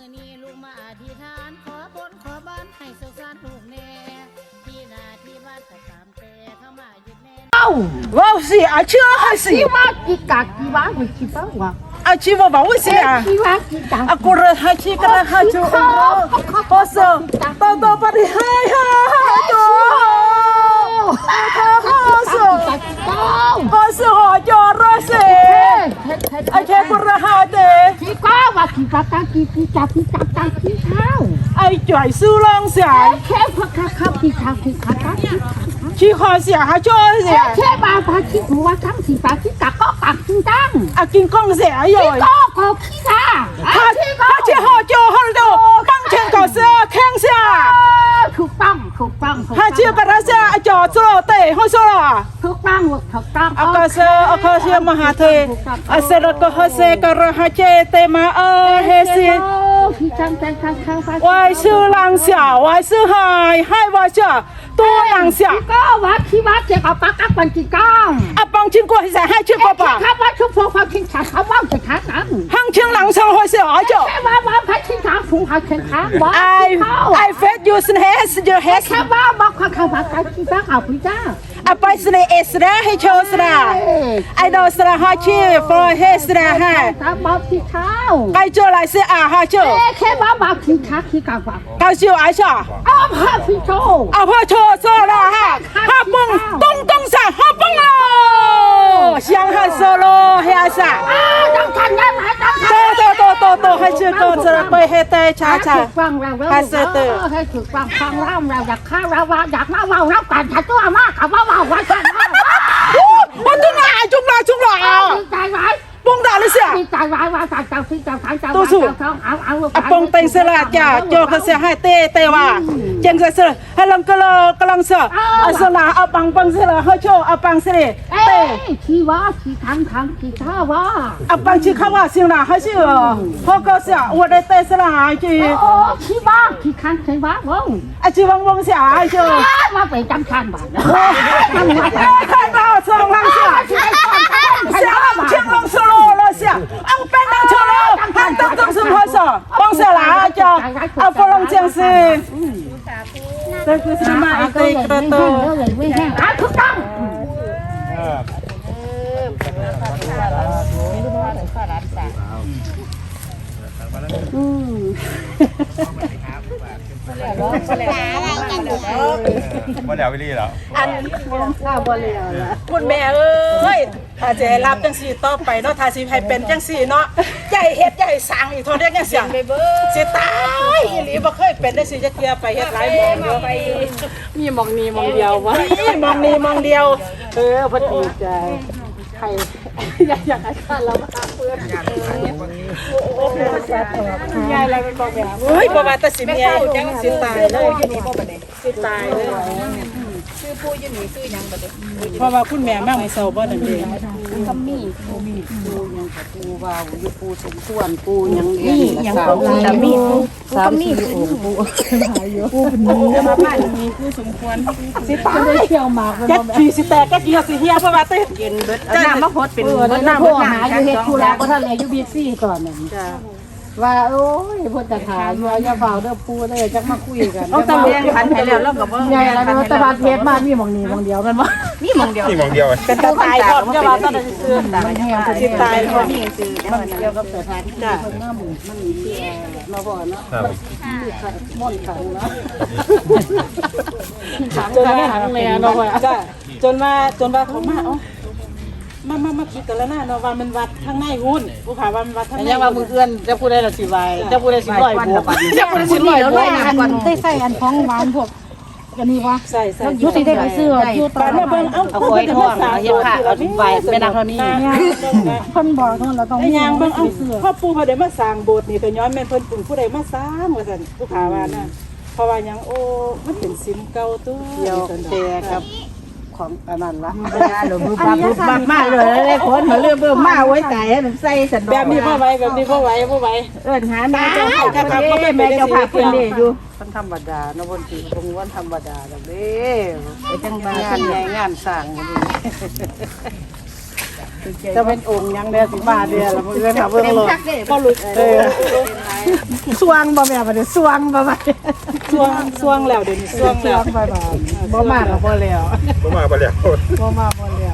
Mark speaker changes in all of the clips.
Speaker 1: อนี้ลูกมาอธิษฐานขอบนขอบ้านให้สุขสันต์ลูกแน่ที่นาที่บ้านก็ตามแต่เข้ามายึดแน่
Speaker 2: 我是阿秋还是？
Speaker 3: 鸡娃鸡嘎鸡娃会鸡娃娃，
Speaker 2: 阿七我把我是啊，
Speaker 3: 鸡娃鸡嘎。
Speaker 2: 阿姑人还七个人还就，我说到把你嗨哈哈多，我是好叫热水，阿七姑人好的，
Speaker 3: 鸡瓜娃鸡嘎嘎鸡鸡嘎鸡嘎嘎鸡ข้าว
Speaker 2: 阿拽苏浪山，
Speaker 3: แค่พักข้าว鸡ข้าว鸡ข้าว鸡
Speaker 2: 去看下还叫啥？
Speaker 3: แค่บาพา鸡หัวทั้งสี่ปา鸡กะก็กักกินตั้ง
Speaker 2: 阿金讲啥哟？
Speaker 3: ก็ขี้กา
Speaker 2: 他去好叫好多，当天搞啥看下。
Speaker 3: ถูกต้อง
Speaker 2: 他去把他下叫做对，好说了。
Speaker 3: ถูกต้องถูกต้อง
Speaker 2: 阿哥是阿哥是马哈特，阿是那个哈是个人哈接对吗？还是
Speaker 3: พี่จังข้างฟ้า
Speaker 2: 我是狼小，我是海我叫多狼小。
Speaker 3: ก็วัดที่วัดเจ็บเอาปากกักบันจีก้อง
Speaker 2: 阿帮经过是海去过吧？
Speaker 3: ข้าวัดชุบพวกฟังทิ้งขาเขาว่าจะขาหนัง
Speaker 2: 行情狼上还是阿叫
Speaker 3: แค่ว่าพัดทิ้งขาฝูงหาเข็นขาว่า
Speaker 2: ？I fed you in has your has。
Speaker 3: แค่ว่าบอกเขาว่าการที่บ้าเอาพี่จ้า
Speaker 2: 阿ไป是那 S 啦，还叫是啦？I know是啦，哈去 for has 啦哈。
Speaker 3: ถ้าบอกที่เขา
Speaker 2: 该叫来是啊哈叫。
Speaker 3: แค่ว่าบอกทิ้งขาขี้กาว่า
Speaker 2: 该叫阿笑。
Speaker 3: เอาพาพี่โจ
Speaker 2: 阿婆错错了哈，哈蹦东上哈蹦喽，香汉说喽，还啥？
Speaker 3: ต้องทันได้ไหมต้องทัน
Speaker 2: 多，还是够这ไปให้แต่ช้าช้า
Speaker 3: ฟังเราให้ถูกฟังเราอยากฆ่าเราอยากมาเรากันถ้าตัวมากกับว่าว่าฉัน
Speaker 2: 我中了，中了啊！
Speaker 3: ใจไว้
Speaker 2: 蹦大了些，
Speaker 3: ใจไว้ว่าใจเจ้าที่เจ้าทางเจ้าเอา
Speaker 2: 阿蹦等是啦，家叫个是还对哇，正是是，还啷个啷是，阿是啦，阿蹦是啦，好笑阿蹦是嘞，
Speaker 3: 对，ที่ว่าที่ทางที่ท่าว่า
Speaker 2: 阿蹦去看我行啦，还是好高兴，我在对是啦，去。
Speaker 3: โอ้ที่ว่าที่ทางที่ว่าว้าว
Speaker 2: 阿去汪下就。
Speaker 3: มาไปจำคันบ้าน
Speaker 2: 看到冲浪下，下青龙是罗了下，昂奔腾出了，喊当中是何事？帮下来叫阿佛龙将士，这个是嘛一对个都。
Speaker 3: ไม่แห้งถูกต้อง
Speaker 4: บ่แล้ววิลี่แล้ว
Speaker 2: อันข้าวบ่แล้วล่ะคุณแม่เอ้ยถ้าจะให้รับจังซี่ต่อไปเนาะถ้าสิให้เป็นจังซี่เนาะใหญ่เฮ็ดใหญ่สร้างอีกเท่าเรียกจังซี่สิตายอีหลีบ่เคยเป็นได้สิจะเกียไปเฮ็ดหลายหม่องอยู่มีหม่องนี้หม่องเดียวบ่มีหม่องนี้หม่องเดียวเพิ่นดีใจใครอยากให้ข้าเรามาเพื่อนยายอะไรเป็นบ่แบบเฮ้ยบ่ว่าแต่สิเมียจังสิตายเลยอยู่นี่บ่บัดนี้สิตายเลยชื่อปู่อยู่นี่ชื่อหยังบัดนี้เพราะว่าคุณแม่มามื้อเช้าบ่นั่นเอง
Speaker 3: ก็มีปูยังกับปูวาวอยู่ปูสมควรปูยัง
Speaker 2: ยังปูมีก็มีปูจะมาบ้านมีผู้สมควรสิตายเที่ยวหมากจักสิสิแตกจักสิเฮียเพราะว่าเต้กินเบิดน้ำมาพดเป็น
Speaker 3: น้ำหาอยู่เฮ็ดธุระบ่ทันเลยอยู่บีซี่ก่อนนั่นว่าโอ้ยเพิ่นจะหาอยู่อย่าเฝ้าเด้อปูเด้อจักมาคุยกัน
Speaker 2: เอาตำแหน่งพันให้แล้วก็บ่
Speaker 3: ใหญ่แล้วแต่ว่าเพชรมามีหม่องนี้หม่องเดียวแม่นบ่
Speaker 4: มีหม่องเดียว
Speaker 2: เป็นตาตายพร้อมจะว่าตอนนั้นซื่อมันแห้งสิตายพร้อมมีซื่อ
Speaker 3: มันเกี่ยวกับสถานที่เพิ่นมาหมู่มันมีที่มาบ่เนาะม่อนขังเนาะ
Speaker 2: จนมาแม่เนาะว่าจ้ะจนว่าเขามามาคิดกันแล้วนะเนาะว่ามันวัดทางในหุ้นผู้ขาว่ามันวัดทางใน
Speaker 3: ยังว่ามือเอื้อนจะพูดได้ละสิไว้จะพูดได้สิร้อยบวกจะพูดได้สิร้อยบวกได้ใส่อันท้องหวานพวกกันนี่วะ
Speaker 2: ใส่
Speaker 3: ยุติได้ไปซื้อยุติ
Speaker 2: มาเบิ่งเอาคอยทอด
Speaker 3: เฮ็ดค่ะเอาไว้แม่นางเท่านี้เพิ่นบอกเนาะเราต้อง
Speaker 2: มีย่างเบิ่งเอาพ่อปู่เขาได้มาสร้างโบสถ์นี่ก็ย้อนแม่นเพิ่นปุ่นผู้ใดมาสร้างว่าซั่นผู้ขาว่านะเพราะว่าหยังโอ้มันเป็นศิลป์เก่าตัว
Speaker 3: เดียวแต่ครับของอันนั้นละหลวงปู่บักมากเลยคนมาเรื่องเบิ่มมาไว้ใจมันใส่สัน
Speaker 2: แบบนี้บ่ไหวเ
Speaker 3: อิ้นหาแม่เจ้าภาพแม่เจ้าภาพเพิ่นนี่อยู่วันธรรมดาเนาะวันที่ตรงวันธรรมดาดอกเด้ไปจังงานใหญ่งานสร้างจะเป็นองค์ยังเด้อสิมาเด้อแล้วเพิ่นเบิ่งโลดพอหลุดสวงบ่แม่บัดนี้สวงบ่บัดนี้
Speaker 2: สวงแล้วเดี๋ยวนี้สวง
Speaker 3: ส
Speaker 2: แล้ว ว
Speaker 3: งบ่บัดบ่มาก็บ่แล้ว
Speaker 4: บ่มาบ่แล้ว
Speaker 3: บ่มาบ่แล้ว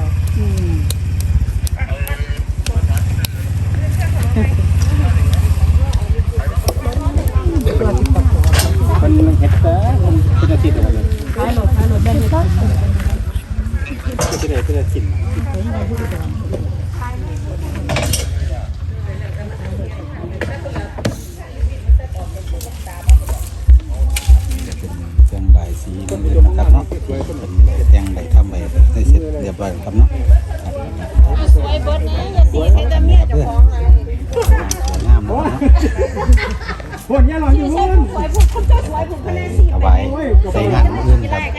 Speaker 4: มันเฮ็ดแต่มันเป็นอาทิตย์แล้วเลย
Speaker 3: ขายรถได้นี่ก็
Speaker 4: เป็นอาทิตย์แตงใบสีนะครับเนาะแตงใบทำใบได้เสร็จเรียบร้อยครับเนาะสวยเบิดนะอย่าสีให้แต่เมียเจ้าของสวยงามเนาะเอาไว้ใส่งานอื่นครับ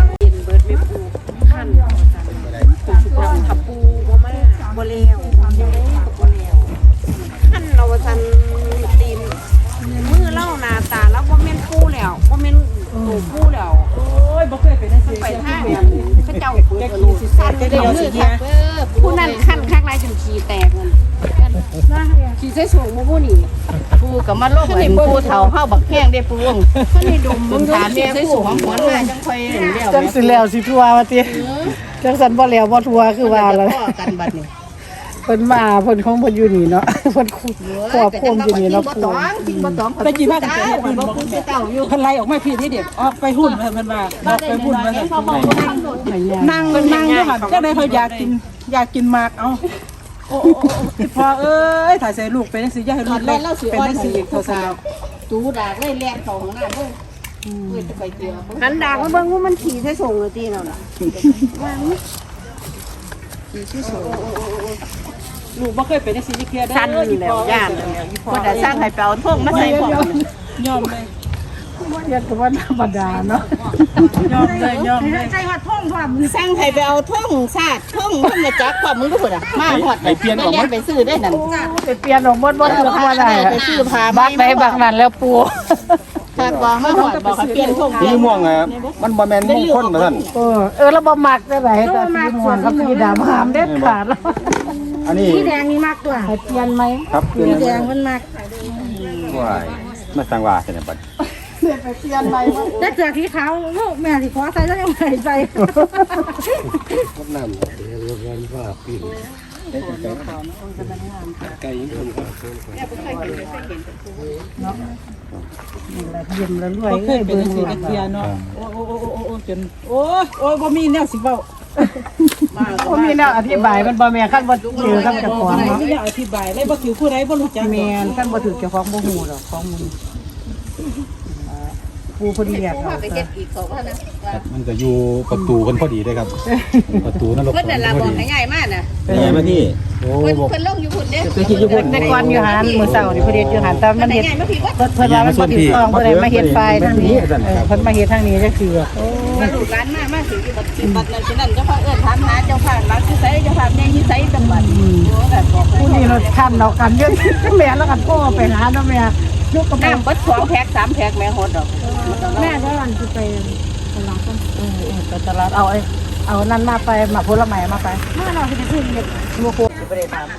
Speaker 5: ทับปูบ่มาบ่แล้วยังได้บ่แล้วขั้นเราว่าซั่นตีนมือเล่าหน้าตาแล้วบ่แม่นปูแล้วบ่แม่นตูปูแล้ว
Speaker 2: โอ้ยบ่เคยเป็นจังซี่
Speaker 5: ไปทางเขาเจ้าเปิดรูขั้นเดียวสิคักผู้นั้นขั้นข้างในจนขี้แตกมันขี้ใส่สูงบ่ผู้นี่
Speaker 1: ปูกับมาลงเหมือนปูเฒ่าเฮาบักแห้งได้ปูวง
Speaker 5: ขั้นนี่ดมมึง
Speaker 1: ถามแม่ปูของหวนมาจังค่อยเลี้ยว
Speaker 3: จังสิแล้วสิทัวว่าติจังสันบ่แล้วบ่ทัวคือว่าแล้ว
Speaker 1: พ่อกันบัดนี้
Speaker 3: เพิ่นมาเพิ่นของเพิ่นอยู่นี่เนาะเพิ่นครอบครัวอยู่นี่เนาะ
Speaker 1: บ่ต้องกินบ่ต้อง
Speaker 2: ไปกินมากันแต่เฮ็ดบุญบ่
Speaker 1: ปูสิเต้าอยู่
Speaker 2: เพิ่นไล่ออกมาพี่ที่เด็กออกไปหุ้นเพิ่นว่าออกไปหุ้นว่าซั่นนั่งอยู่หั่นจังได๋เขาอยากกินหมากเอาโอ้พอเอ้ยถ้าใส่ลูกเป็นจังซี่อย่าให้ลูกเล็กเป็นจังซี่อีกเท่าซั่นแล้ว
Speaker 1: ตูดากเลยแล่นเข้าห้องน้ำเด้อเพิ่นจะไปเจอ
Speaker 5: หันดากมาเบิ่งว่ามันขี้ใส่สูงเลยตีนั่นน่ะ
Speaker 2: ลูกบ่เคยเป็นจังซี่เที่ยเด้อ
Speaker 5: สั่นแล้วย่านบ่ได้สั่งให้ไปเอาท่งมาใส่พร้อม
Speaker 2: ยอมเลย
Speaker 3: เรียกว่าธรรมดาเนาะ
Speaker 2: ยอมเลย
Speaker 1: ใส่ฮอดท่องพร้อมสั่งให้ไปเอาท่องสาดท่องท่องมาจักพร้อมมึงดูพุ่นน่ะมาฮอดไปเปลี่ยนออกไปซื้อได้นั่น
Speaker 3: ไปเปลี่ยนออกหมดบ่ถูกว่าได้
Speaker 1: ไปซื้อผ้า
Speaker 3: บักไหนบักนั้นแล้วปู
Speaker 1: ถ้าบ่มาฮอดบอกให้เปลี่ยนท่อง
Speaker 4: สีม่วงอ่ะมันบ่แม่นมงคลว่าซั่น
Speaker 3: แล้วบ่มักได้ไหนแต่สีม่วงกับสีดำหามเด็ดขาดแล้ว
Speaker 4: อันนี้
Speaker 1: สีแดงนี่มากกว่า
Speaker 3: ให้เปลี่ยนไหม
Speaker 4: ครับคือ
Speaker 1: สีแดงมันมาก
Speaker 4: ว้ายมาสั่งว่าซั่นบัด
Speaker 3: ไปเปลี่ยนไหม
Speaker 1: แต่เจอสีขาวลูกแม่สิขอใส่แล้วยังใส่
Speaker 3: ยิ้มแล้วรวย
Speaker 2: บ่เคยเป็นจังซี่เที่ยเนาะโอ้จนโอ้บ่มีแนวสิเว้า
Speaker 3: บ่มีแนวอธิบายมันบ่แม่นคันบ่เจอกับเจ้าของ
Speaker 2: บ่
Speaker 3: เนาะ
Speaker 2: มีแนวอธิบายเลยบ่คิวผู้ใดบ่รู้จัก
Speaker 3: แม่นคันบ่ถูกเจ้าของบ่ฮู้ดอกของมึงปูพอดีอยากเอา
Speaker 1: ไปเฮ็ดอีกเขาว่านะ
Speaker 4: มันก็อยู่ประตูกันพอดีเลยครับ ประตูนรก
Speaker 1: เพิ่นน่ะล่ะบอกให้ใหญ่มากน่ะ
Speaker 4: นี่มาที่โอ้
Speaker 1: เพิ่น
Speaker 4: บอก
Speaker 1: เพิ่นลงอยู่พุ่นเด้
Speaker 3: แต่ก่อนอยู่หันมื้อเช้านี่เพิ่นเฮ็ดอยู่หันแต่มันเฮ็ด
Speaker 1: ใหญ่มาพี่ว่า
Speaker 3: เพิ่นว่ามันบ่ถูกต้องเพิ่นเลยมาเฮ็ดไฟทางนี้เพิ่นมาเฮ็ดทางนี้จังซี่ว่า
Speaker 1: ลูกหลานมาถึงที่บัดนั้นฉะนั้นเจ้าพ่อเอิ้นถามหาเจ้าพ่อรักที่ไสเจ้าพ่อแม่ที่ไสจังหวัดโอ้แบบบอก
Speaker 3: ผู้นี้เราคันเรากันเยอะแม่แล้วกันพ่อไปหาเนาะแม่ลูกกับแม่
Speaker 1: น้ำเบิด2แพ็ค3แพ็คแม่ฮอดดอก
Speaker 3: แม่จะวันจะไปไปตลาดเอานั่นมาไปมาผลไม้มาไปมาเราจะซื้อเด็กลูกโคไปได้ถาม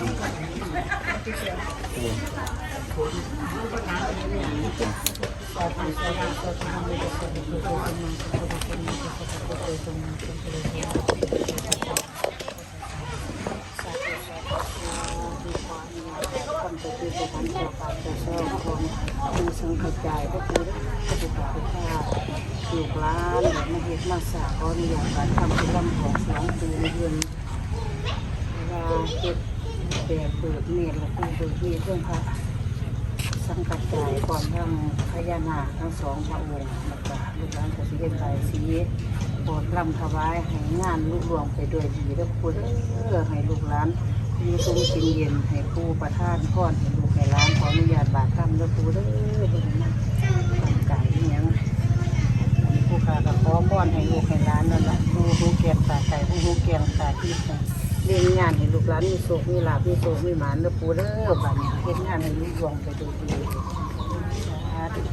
Speaker 3: สังขจายก็คือปฏิบัติภาพลูกหลานมาเฮ็ดมาสาขออนุญาตการทำกิจกรรมของ2ปีในเดือนเวลาเฮ็ดแบบเปิดเนตรและผู้เปิดที่เครื่องพระสังขจายก่อนทั้งพญานาคทั้งสองพระองค์แล้วก็ลูกหลานก็สิเฮ็ดใบสีโปรดรำถวายให้งานลุล่วงไปด้วยดีเด้อคุณเพื่อให้ลูกหลานอยู่ทรงกินเย็นให้ผู้ประทานพรให้ลูกให้หลานขออนุญาตบาทคำเด้อปู่เด้อเพิ่นนะตั้งใจอีหยังอันนี้ผู้ข้าก็ขอพรให้ลูกให้หลานนั่นล่ะผู้รู้แก่ตาใจผู้รู้แก่ตาที่เรียนงานให้ลูกหลานมีโชคมีลาภมีโชคมีหมานเด้อปู่เด้อบัดนี้เฮ็ดงานให้ลุล่วงไปด้วยดีสาธุ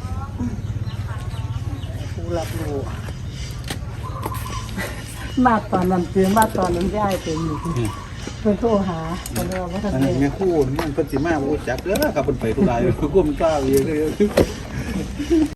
Speaker 3: ผู้รับรู้มาตอนนั้นเตือนมาตอนนั้นได้เป็นอยู่เพิ่นโทรหาเพิ่นว่าบ่ทัน
Speaker 4: อัน
Speaker 3: ได้
Speaker 4: นี้แม่คู่มันเพิ่นสิมาบ่รู้จักเด้อครับเพิ่นไปทุรายกูมันกล้าเองเลย